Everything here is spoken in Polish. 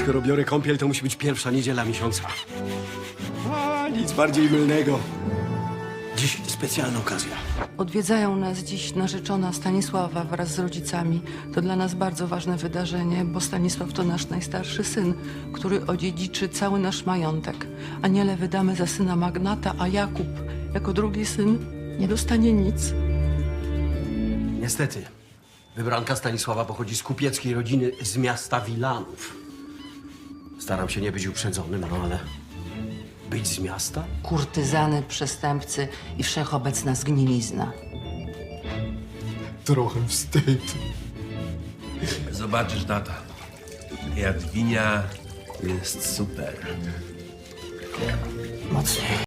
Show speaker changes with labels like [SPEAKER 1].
[SPEAKER 1] skoro biorę kąpiel, to musi być pierwsza niedziela miesiąca. A, nic bardziej mylnego. Dziś specjalna okazja.
[SPEAKER 2] Odwiedzają nas dziś narzeczona Stanisława wraz z rodzicami. To dla nas bardzo ważne wydarzenie, bo Stanisław to nasz najstarszy syn, który odziedziczy cały nasz majątek. Aniele wydamy za syna magnata, a Jakub, jako drugi syn, nie dostanie nic.
[SPEAKER 1] Niestety, wybranka Stanisława pochodzi z kupieckiej rodziny z miasta Wilanów. Staram się nie być uprzedzonym, no ale być z miasta?
[SPEAKER 2] Kurtyzany, przestępcy i wszechobecna zgnilizna.
[SPEAKER 3] Trochę wstyd.
[SPEAKER 4] Zobaczysz, tata. Jadwinia jest super.
[SPEAKER 2] Mocniej.